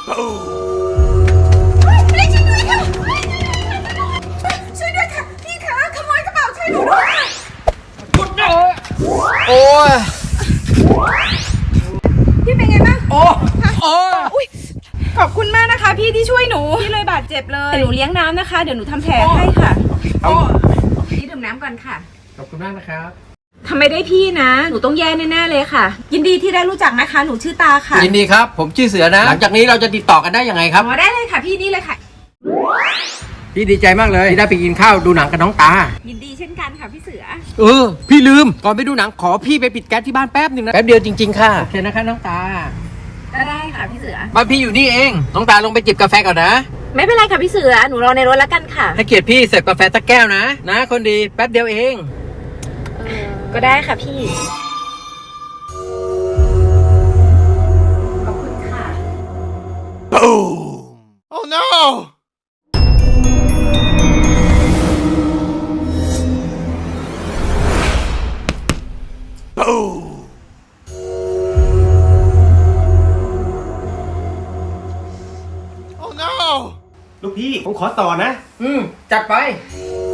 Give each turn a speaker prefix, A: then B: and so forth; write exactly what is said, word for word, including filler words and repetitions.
A: ช่วยด้วยค่ะช่วยด้วยค่ะพี่คะขโมยกระเป๋าช่วยหนูด้วยค่ะ
B: โอ้ย
A: พี่เป็นไงบ้าง
B: โอ้โอ้
A: อุ้ยขอบคุณมากนะคะพี่ที่ช่วยหนูพี่เลยบาดเจ็บเลยหนูเลี้ยงน้ำนะคะเดี๋ยวหนูทำแผลให้ค่ะพี่ดื่มน้ำก่อนค่ะ
B: ขอบคุณมากนะครับ
A: ทำไมได้พี่นะหนูต้องแย่แน่ๆเลยค่ะ ยินดีที่ได้รู้จักนะคะ หนูชื่อตาค่ะ
B: ยินดีครับ ผมชื่อเสือนะ หลังจากนี้เราจะติดต่อกันได้ยังไงครับ
A: อ๋อได้เลยค่ะพี่นี่เลยค่ะ
B: พี่ดีใจมากเลยที่ได้ไปกินข้าวดูหนังกับน้องตา
A: ยินดีเช่นกันค่ะพี่เสือ
B: เออ พี่ลืม ก่อนไปดูหนังขอพี่ไปปิดแก๊สที่บ้านแป๊บหนึ่งนะ แป๊บเดียวจริงๆค่ะ โอเคนะคะน้องตา
A: ก็ได้ค่ะพี่เสือ
B: บ้านพี่อยู่นี่เอง น้องตาลงไปจิบกาแฟก่อนนะ
A: ไม่เป็นไรค่ะพี่เสือหนูรอในรถแล้วกันค่ะ
B: ให้เกียรติพี่เสิร์ฟกาแฟสักแก้วนะ นะ คนดีแป๊บเดียวเอง
A: ก็ได้ค่ะพี่ขอบคุณค่ะ
C: Oh no! Boom! Oh no!
D: ลูกพี่ผมขอต่อนะ
B: อืม จัดไป